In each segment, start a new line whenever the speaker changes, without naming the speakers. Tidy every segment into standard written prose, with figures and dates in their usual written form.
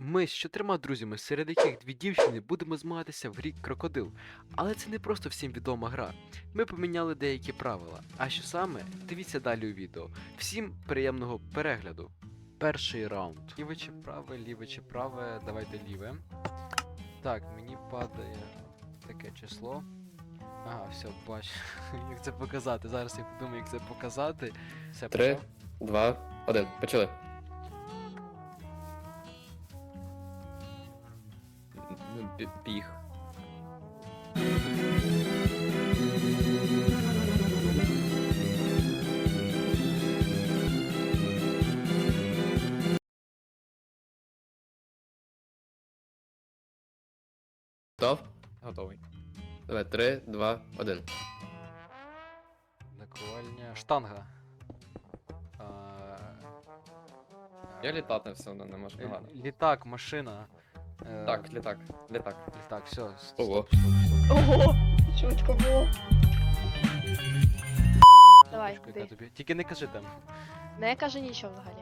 Ми з 4 друзями, серед яких 2 дівчини, будемо змагатися в грі Крокодил. Але це не просто всім відома гра. Ми поміняли деякі правила. А що саме? Дивіться далі у відео. Всім приємного перегляду. Перший раунд. Ліве чи праве, давайте ліве. Так, мені падає таке число. Ага, все, бачу. Як це показати? Зараз я подумаю, як це показати. Все,
3,
почав.
2, 1. Почали. Біг. Готов?
Готовий.
Давай, 3, 2, 1.
Наковальня. Штанга.
Я літати все одно не можу. Ну ладно.
Літак, машина.
Так, літак. Літак.
Літак, все.
Ого.
Ого, швидко було. Давай,
Яка
ти.
тобі. Тільки не кажи там.
Не кажи нічого взагалі.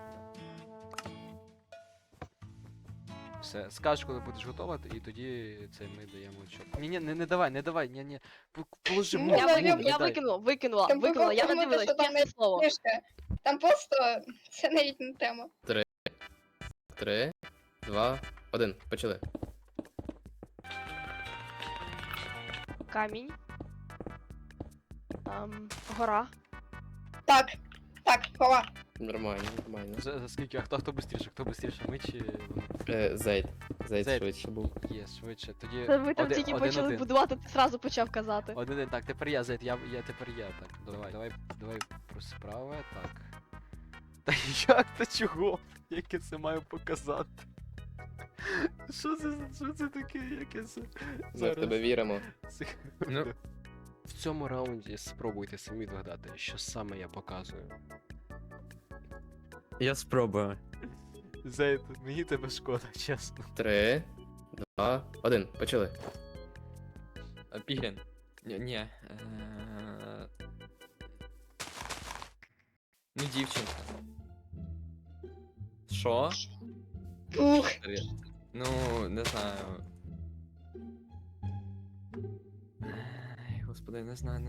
Все, скажеш, коли будеш готова, і тоді це ми даємо чок. Ні, не давай, ні. Положи
Ну,
мову,
я
не дай.
викинула,
Там
я не
тому,
дивилась,
що там
чесне слово.
Книжка. Там просто це навіть не тема.
3, 2, 1. Почали.
Камінь. Гора.
Так, хова.
Нормально, нормально.
За скільки, а хто бистріше? Хто бистріше, ми чи вони?
Зейд. Зейд
Зейд.
швидше був.
Є, швидше. Тоді
Це ви там тільки почали
один.
будувати, ти зразу почав казати.
Один, так, тепер я, Зейд, тепер я, так. Давай про справи, так. Та як то чого? Як я це маю показати? Що це таке, яке це?
Ми в тебе віримо.
Секунду.
Ну.
В цьому раунді спробуйте самі догадати, що саме я показую.
Я спробую.
Зейд, мені тебе шкода, чесно.
3, 2, 1. Почали.
Піглін. Ні. Ну, дівчинка. Що?
Ух,
Ну, не знаю. Ай, господи, не знаю.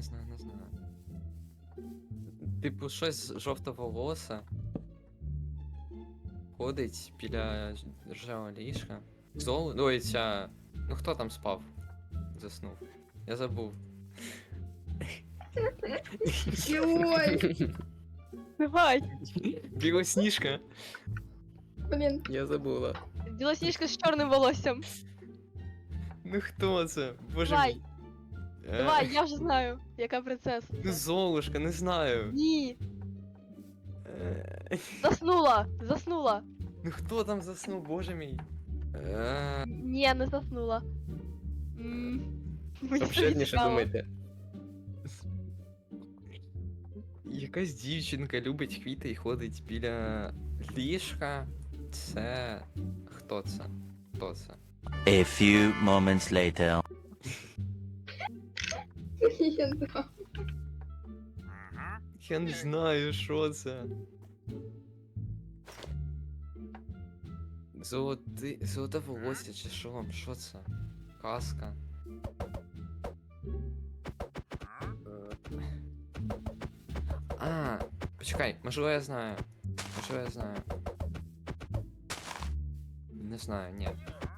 Типу, щось жовтоволосе. Ходить біля ржавого ліжка. Ой, ця... Ну хто там спав? Заснув. Я забув.
ой,
Давай.
Білосніжка.
блін.
Я забула.
Білосніжка з чорним волоссям.
Ну хто це? Боже
Давай.
мій.
Давай, я вже знаю, яка принцеса.
Ну Золушка, не знаю.
Ні,
Е,
заснула.
Ну хто там заснув, боже мій?
Ні, не заснула. Мені
Обширніше
цікаво.
думайте.
Якась дівчинка любить квіти і ходить біля ліжка. Це... Хто це? Хто це?
A few moments later.
Я не знаю.
Я не знаю, що це. Золоте волосся чи що? Що це? Казка. Почекай, можливо я знаю. Не знаю, ні.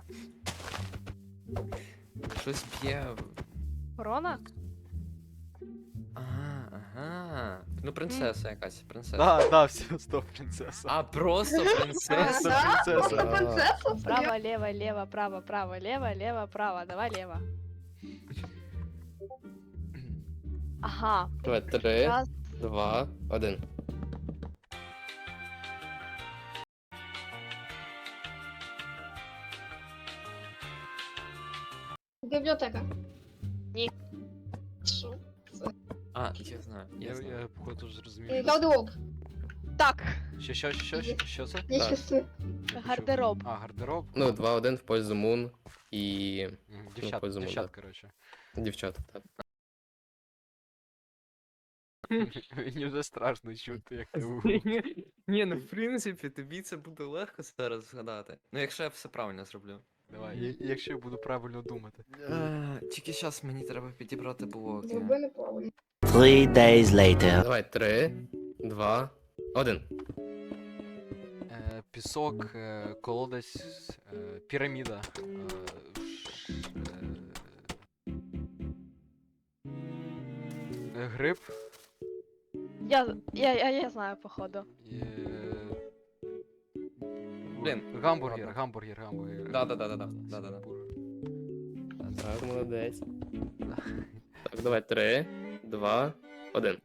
Щось б'є.
Корона?
Ага. Ну, принцеса якась, принцеса.
Да, все, стоп, принцеса.
А, просто
А,
принцеса.
да?
принцеса.
Просто принцеса?
Право, лево, лево, право, право, лево, право. Давай лево. Ага.
Давай, 3,
Раз.
2, 1.
Бібліотека.
Ні.
Що?
А, я знаю, я знаю.
Я походу зрозумів.
Гардероб.
Так,
Що це?
Я
Так.
щасливий.
Не почув.
гардероб.
А, гардероб?
Ну, 2-1 в пользу Мун і
Дівчат,
по зуму,
дівчат,
да.
коротше.
дівчат. Так.
Мені вже страшно чути, як ти говориш.
Ні, ну в принципі, тобі це буде легко зараз згадати. Ну, якщо я все правильно зроблю.
Давай, якщо я буду правильно думати.
Тільки зараз мені треба підібрати блоки.
Зроби неправильно.
3 days later.
Давай, 3, 2, 1.
Пісок, колодязь, піраміда. Гриб.
Я знаю, походу.
Блін,
Гамбургер,
ладно.
гамбургер.
Да-да-да-да-да.
Так, молодець. Так, давай, 3, 2, 1.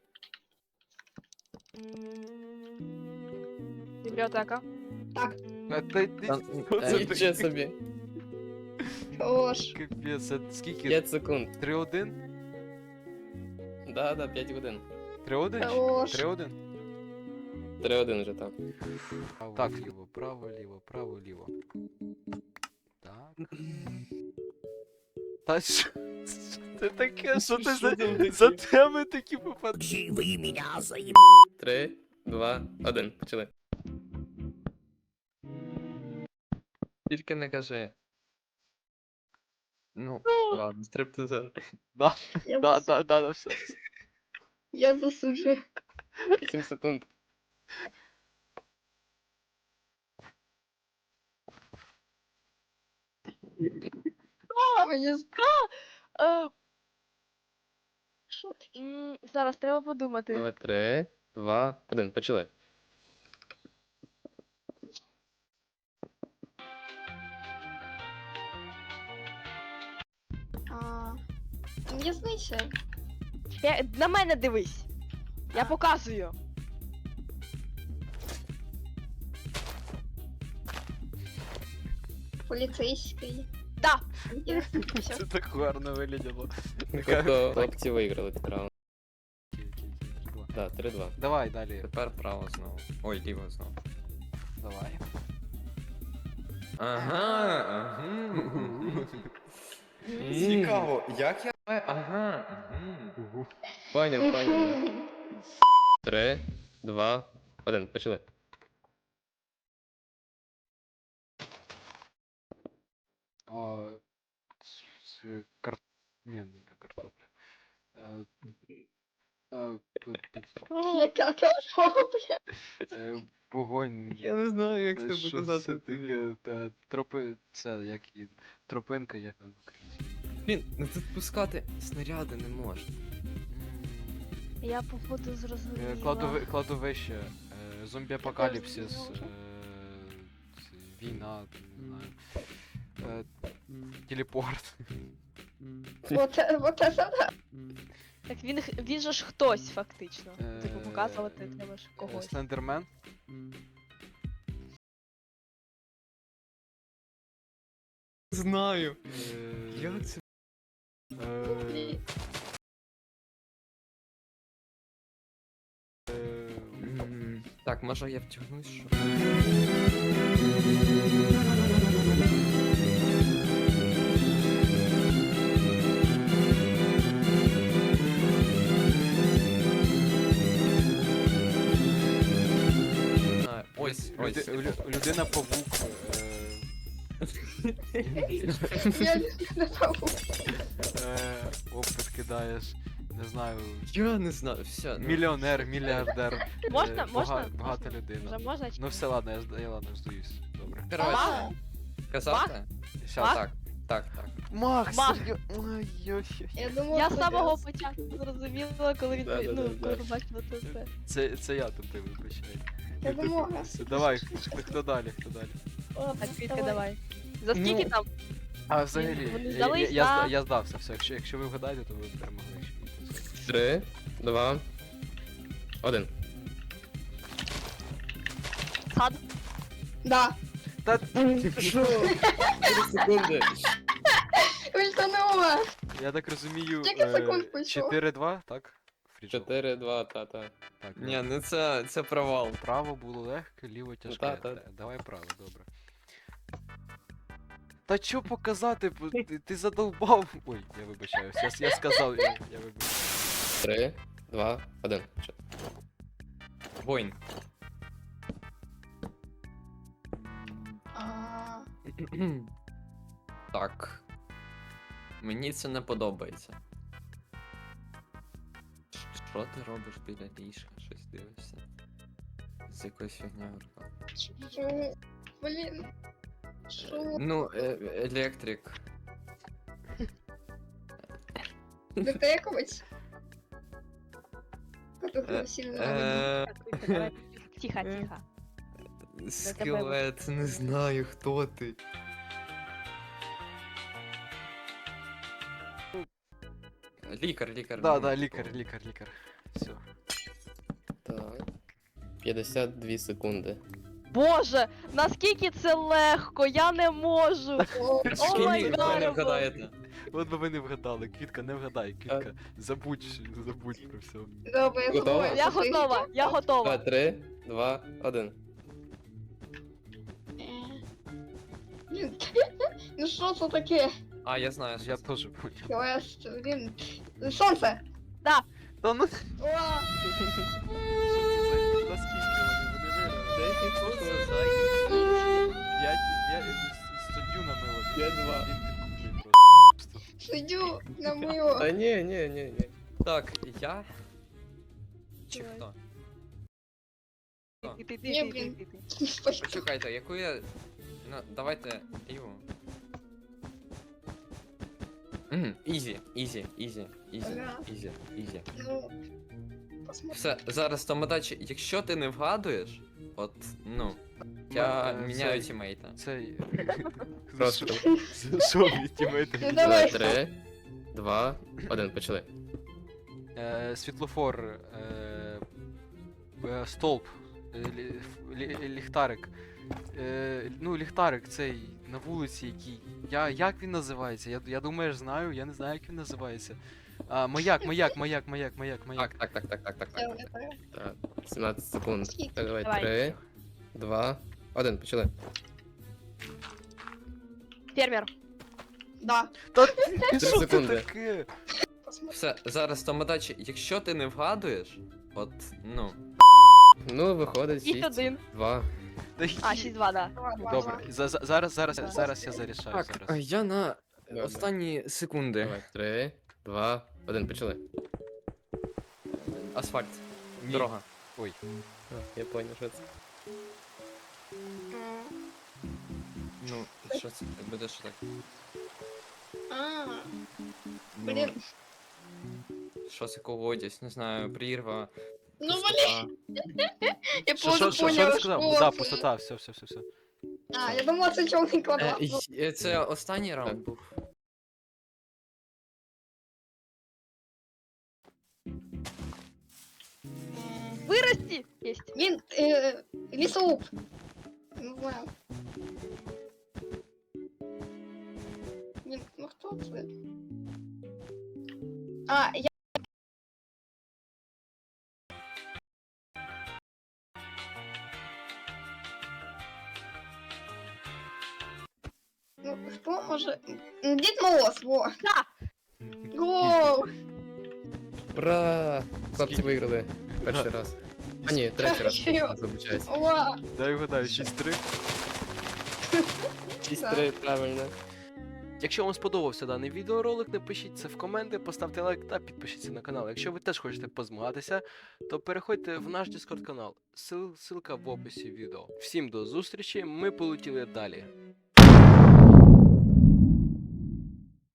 Бібліотека.
Так,
Нічого собі.
хорош.
Капець, це скільки?
5 секунд.
3-1?
Да, 5 годин.
3-1?
Хорош.
3-1?
3-1 вже так.
Так, ліво, право, ліво, право, ліво. Так. Та що це таке? Що ти за теми такі попадаєш?
3, 2, 1. Почали.
Тільки не кажи. Ну, ладно, стриптизер.
Да, все.
Я засуджую.
7 секунд.
Мені
Е,
що таке?
Зараз треба подумати.
Давай, 3, 2, 1. Почали.
А, М'ясниця.
На мене дивись. Я показую.
Поліцейський.
Да.
Є. Всё.
Це так гарно вигляділо.
Тобто хлопці виграли цей раунд. Да, 3-2.
Давай далі.
Тепер право знову. Ой, ліво знову.
Давай.
Ага, ага. Цікаво, як я. Ага.
Поняв. 3, 2, 1. Почали.
А, Ні, не картопля.
Яка картопля?
Вогонь.
Я не знаю, як це
Що
показати.
це таке? Це як і тропинка, як там українською.
Блін, ну тут пускати снаряди не можна.
Я походу зрозуміла.
Кладовище, зомбі-апокаліпсис, війна, не знаю. Телепорт.
Вот це да.
Так він же ж хтось фактично. Типу показувати треба ж когось.
Слендермен.
Знаю.
Е,
Як це?
е,
Так, може я втягнусь, що? А, ось.
Людина павук.
Я не пам'ятаю.
Опит кидаєш. Не знаю.
Я не знаю, все.
Мільйонер, мільярдер.
Можна?
Багата
Вже
людина.
можна?
Ну все, ладно, я ладно здаюсь. Добре.
Коротше, казати?
Щас.
Так.
Макс!
Мах.
Я думав,
Я з
кудись.
самого початку зрозуміла, коли він
Да-да-да-да.
коли побачила це все.
Це я тут ти вибачай.
Я думав,
Давай, хто далі?
Так, Вітя, давай. За скільки там?
А взагалі,
Вони здались,
я здався, все. Якщо ви вгадаєте, то ви перемогли.
3, 2, 1.
Сад?
Да.
Та
Що? 4 секунди.
Ультанула.
я так розумію.
Скільки секунд пройшло?
4-2, так? Фрічел.
4, 2, та.
Так,
Ні, ну це провал.
право було легке, ліво тяжке.
та.
Давай право, добре. Та що показати? Ти задовбав. Ой, я вибачаюсь. Я сказав, я вибачаюсь.
3, 2, 1.
Воїн.
А,
Так. Мені це не подобається. Що ти робиш біля ліжка? Щось дивишся? З якоюсь фігнею в руках.
що? Блін. Що?
Ну, електрик.
Детековець? Которого
Е,
сильно
е,
Давай, тихо, тихо.
Скелет, не знаю, хто ти. Лікар.
Да, лікар. Все.
Так. 52 секунди.
Боже, наскільки це легко, я не можу.
О,
О май
Ви не
гад.
вгадаєте.
От би ви не вгадали, Квітка, не вгадай, Квітка. Забудь про все.
добре, я
Готова?
готова.
Я готова, я готова.
3, 2, 1.
Блін. Ну що це таке?
А, я знаю, що
Я
це.
теж понял.
Квест, блін. Сонце!
Та ну
О,
наскільки вони виграли? Я суддю на мило.
5-2.
Він підкупив просто.
сидю на мило.
Та ні.
Так, я. Чи
Давай.
хто?
Ні, блін.
Почекайте, яку я. Ну, давайте. Його. Ізі.
Ага. Ну, посмотри.
Все, зараз томодачі, якщо ти не вгадуєш, от, ну, я міняю тімейта.
Цей.
Просто.
Що мій тімейт?
Ну, давай.
3, 2, 1. Почали.
Світлофор, стовп, ліхтарик. Ну, ліхтарик цей на вулиці, який. Як він називається? Я думаю, знаю, я не знаю, як він називається. Маяк.
Так.
Так. 17 секунд.
Скільки?
Так, давай.
Давай.
3, 2, 1. Почали.
Фермер.
Да,
Та
3
що це
секунди.
таке?
посмотри.
Все, зараз томодачі, якщо ти не вгадуєш, от, ну,
Ну, виходить 6,
6-1.
2.
Та
А, 6-2, да.
Добре, зараз я зарішаю.
так,
Зараз.
я на
Добре.
останні секунди.
Давай. 3, 2, 1. Почали.
Асфальт.
Ні.
Дорога.
Ой.
Я понял, що це.
Ну, що це буде що так?
А,
Ну,
блін.
що це колодязь, не знаю, прірва.
Ну,
пустота.
я
Що
просто
ти
поняла,
сказав?
що
Да,
це.
пустота, все.
А, я думала, це чорний квадрат. Ну,
Це останній раунд був.
Вырасти! Есть.
Він, лісоруб. Не знаю. Він, ну хто це? А, я... Ну, хто може... Дід Мороз, во.
Да.
Гоу!
Ура! Хлопці виграли. Перший раз. А ні, третій раз.
Серйозно?
Вибачаюсь.
Ура!
Дай вгадаю, 6-3.
6-3, правильно.
Якщо вам сподобався даний відеоролик, напишіть це в коменти, поставте лайк та підпишіться на канал. Якщо ви теж хочете позмагатися, то переходьте в наш Discord канал. Ссылка в описі відео. Всім до зустрічі, ми полетіли далі.